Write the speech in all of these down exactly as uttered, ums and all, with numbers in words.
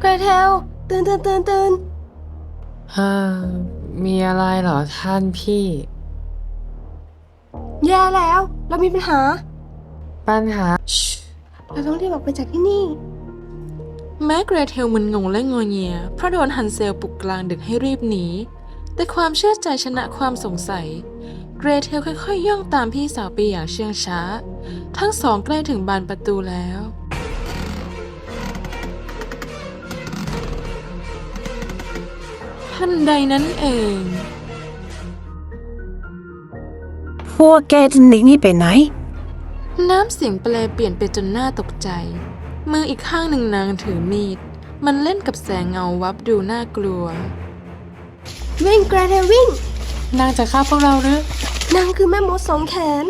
เกรเทลตื่นตื่นตื่นตื่นฮ่ามีอะไรเหรอท่านพี่แย่แล้วเรามีปัญหาปัญหาเราต้องรีบออกไปจากที่นี่แม้เกรเทลมึนงงและงอเงียเพราะโดนฮันเซลปลุกกลางดึกให้รีบหนีแต่ความเชื่อใจชนะความสงสัยเกรเทลค่อยๆย่องตามพี่สาวไปอย่างเชื่องช้าทั้งสองใกล้ถึงบานประตูแล้วทันใดนั้นเองพวกแกจะหนีนี่ไปไหนน้ำเสียงแปลเปลี่ยนไปจนน่าตกใจมืออีกข้างหนึ่งนางถือมีดมันเล่นกับแสงเงาวับดูน่ากลัววิ่งเกรเทลวิ่งนางจะฆ่าพวกเราหรือนางคือแม่มดสองแขน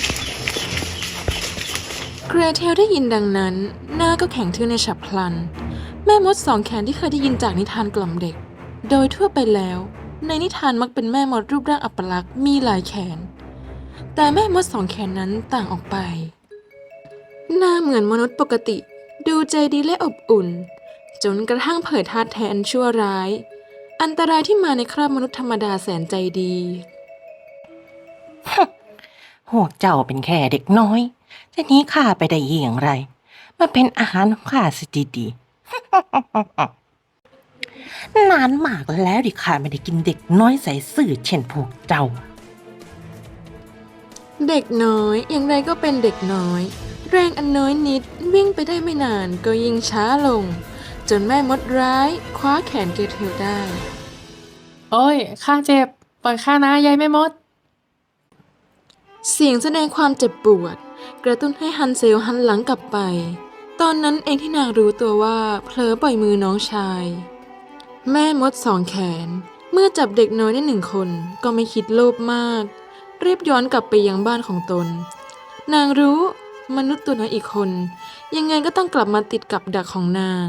เกรเทลได้ยินดังนั้นหน้าก็แข็งทื่อในฉับพลันแม่มดสองแขนที่เคยได้ยินจากนิทานกล่อมเด็กโดยทั่วไปแล้วในนิทานมักเป็นแม่มดรูปร่างอัปลักษณ์มีหลายแขนแต่แม่มดสองแขนนั้นต่างออกไปหน้าเหมือนมนุษย์ปกติดูใจดีและอบอุ่นจนกระทั่งเผยท่าแทนชั่วร้ายอันตรายที่มาในคราบมนุษย์ธรรมดาแสนใจดีพวกเจ้าเป็นแค่เด็กน้อย จะหนีข้าไปได้อย่างไร มาเป็นอาหารของข้าสิดีๆ นานมากแล้วที่ข้าไม่ได้กินเด็กน้อยใส่ซื่อเช่นพวกเจ้าเด็กน้อยอย่างไรก็เป็นเด็กน้อยแรงอันน้อยนิดวิ่งไปได้ไม่นานก็ยิ่งช้าลง จนแม่มดร้ายคว้าแขนเกรเทลได้โอ้ยข้าเจ็บปล่อยข้านะยายแม่มดเสียงแสดงความเจ็บปวด กระตุ้นให้ฮันเซลหันหลังกลับไป ตอนนั้นเองที่นางรู้ตัวว่าเผลอปล่อยมือน้องชาย แม่มดสองแขนเมื่อจับเด็กน้อยได้หนึ่งคนก็ไม่คิดโลภมากรีบย้อนกลับไปยังบ้านของตน นางรู้มนุษย์ตัวน้อยอีกคน ยังไงก็ต้องกลับมาติดกับดักของนาง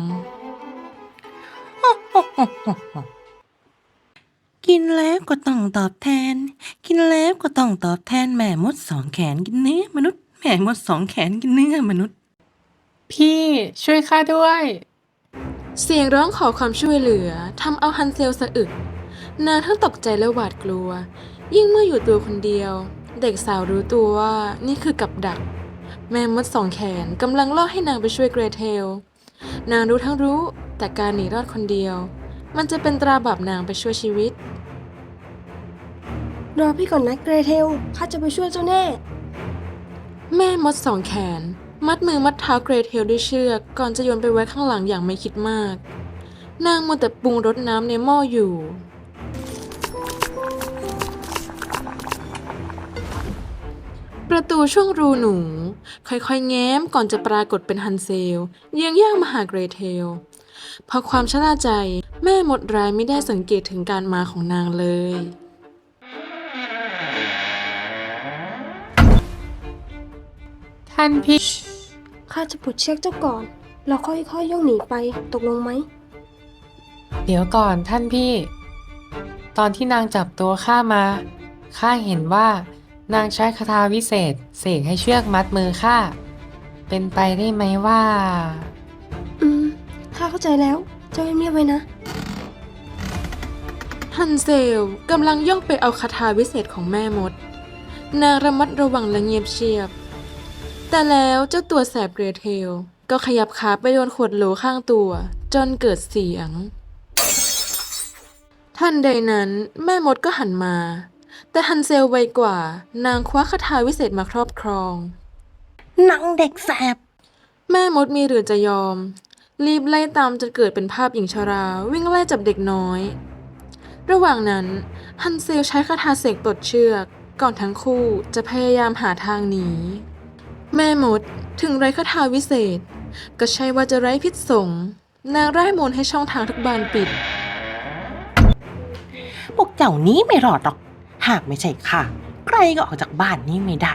กินแล้วก็ต้องตอบแทน กินแล้วก็ต้องตอบแทนแม่มดสองแขนกินเนื้อมนุษย์ แม่มดสองแขนกินเนื้อมนุษย์พี่ช่วยข้าด้วยเสียงร้องขอความช่วยเหลือทำเอาฮันเซลสะอึกนางทั้งตกใจและหวาดกลัว ยิ่งเมื่ออยู่ตัวคนเดียว เด็กสาวรู้ตัวว่านี่คือกับดัก แม่มดสองแขนกำลังล่อให้นางไปช่วยเกรเทลนางรู้ทั้งรู้แต่การหนีรอดคนเดียว มันจะเป็นตราบาปนางไปช่วยชีวิตรอพี่ก่อนนะเกรเทลข้าจะไปช่วยเจ้าแน่แม่มดสองแขนมัดมือมัดเท้าเกรเทลด้วยเชือกก่อนจะโยนไปไว้ข้างหลังอย่างไม่คิดมาก นางมัวแต่ปรุงรสน้ำในหม้ออยู่ ประตูช่วงรูหนู ค่อยๆแง้มก่อนจะปรากฏเป็นฮันเซลเยื้องย่างมาหาเกรเทลเพราะความชราใจแม่มดร้ายไม่ได้สังเกตถึงการมาของนางเลยท่านพี่ข้าจะปลดเชือกเจ้าก่อน เราค่อยๆย่องหนีไปตกลงไหมเดี๋ยวก่อนท่านพี่ ตอนที่นางจับตัวข้ามาข้าเห็นว่านางใช้คาถาวิเศษเสกให้เชือกมัดมือข้าเป็นไปได้ไหมว่าอืมข้าเข้าใจแล้ว เจ้าเงียบๆไว้นะฮันเซลกำลังย่องไปเอาคาถาวิเศษของแม่มด นางระมัดระวังและเงียบเชียบ แต่แล้วเจ้าตัวแสบเกรเทลก็ขยับขาไปโดนขวดโหลข้างตัวจนเกิดเสียง ทันใดนั้นแม่มดก็หันมา แต่ฮันเซลไวกว่านางคว้าคาถาวิเศษมาครอบครองหนังเด็กแสบแม่มดมีหรือจะยอม รีบไล่ตามจนเกิดเป็นภาพหญิงชราวิ่งไล่จับเด็กน้อย ระหว่างนั้นฮันเซลใช้คาถาเสกปลดเชือกก่อนทั้งคู่จะพยายามหาทางหนีแม่มดถึงไร้คาถาวิเศษ ก็ใช่ว่าจะไร้พิษสงนางไร้มนต์ให้ช่องทางทุกบานปิดพวกเจ้านี้ไม่รอดหรอก หากไม่ใช่ข้าใครก็ออกจากบ้านนี้ไม่ได้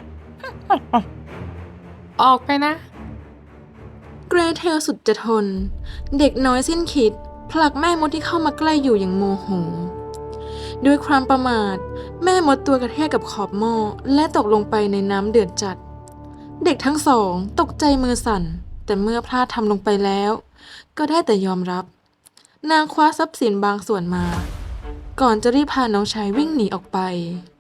ออกไปนะเกรเทลสุดจะทน เด็กน้อยสิ้นคิดผลักแม่มดที่เข้ามาใกล้อยู่อย่างโมโหด้วยความประมาทแม่มดตัวกระแทกกับขอบหม้อและตกลงไปในน้ำเดือดจัด เด็กทั้งสองตกใจมือสั่น แต่เมื่อพลาดทำลงไปแล้ว ก็ได้แต่ยอมรับนางคว้าทรัพย์สินบางส่วนมา ก่อนจะรีบพาน้องชายวิ่งหนีออกไป